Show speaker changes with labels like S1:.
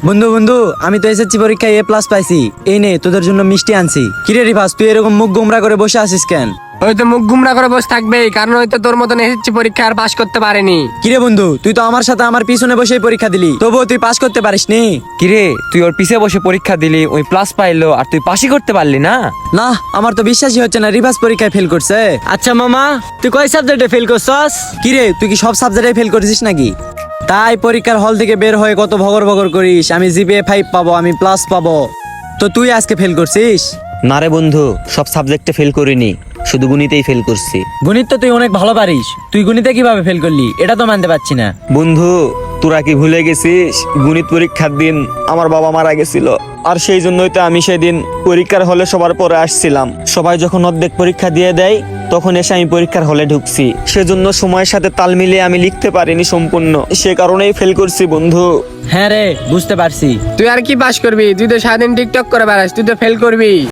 S1: বন্ধু বন্ধু, আমি তো এসএসসি পরীক্ষায় A+ পাইছি। এই নে তোদের জন্য মিষ্টি আনছি। কিরে রিফাস, তুই এরকম মুখ গোমরা করে বসে আছিস কেন?
S2: ওই তো মুখ গুমরা করে বসে থাকবেই, কারণ ওই তো তোর মতন এসেছি পরীক্ষা আর পাশ করতে পারেনি।
S1: কিরে বন্ধু, তুই তো আমার সাথে আমার পিছনে বসেই পরীক্ষা দিলি, তবুও তুই পাস করতে পারিসনি।
S3: কিরে তুই ওর পিছে বসে পরীক্ষা দিলি, ওই প্লাস পাইলো আর তুই পাসই করতে পারলি না?
S1: না, আমার তো বিশ্বাসই হচ্ছে না রিফাস পরীক্ষায় ফেল করছে।
S4: আচ্ছা মামা, তুই কয় সাবজেক্টে ফেল করছস?
S1: কিরে, তুই কি সব সাবজেক্টে ফেল করেছিস নাকি? তাই পরীক্ষার হল থেকে বের হয়ে কত ভগর ভগর করিস, আমি জিপিএ 5 পাবো, আমি প্লাস পাবো। তো তুই আজকে ফেল করছিস?
S5: না রে বন্ধু, সব সাবজেক্টে ফেল করিনি, শুধু গণিতেই ফেল করছি।
S1: গণিত তো তুই অনেক ভালো পারিস, তুই গণিতে কিভাবে ফেল করলি এটা তো মানতে পারছি না।
S5: বন্ধু, তোরা কি ভুলে গেছিস গণিত পরীক্ষার দিন আমার বাবা মারা গেছিল, আর সেই জন্যই তো আমি সেদিন পরীক্ষার হলে সবার পরে আসছিলাম। সবাই যখন অর্ধেক পরীক্ষা দিয়ে দেয় তখন এসে আমি পরীক্ষার হলে ঢুকছি, সেজন্য সময়ের সাথে তাল মিলিয়ে আমি লিখতে পারিনি সম্পূর্ণ, সে কারণেই ফেল করছি বন্ধু।
S1: হ্যাঁ রে, বুঝতে পারছি।
S2: তুই আর কি পাশ করবি? তুই তো সারাদিন টিকটক করে বেড়াস, তুই তো ফেল করবি।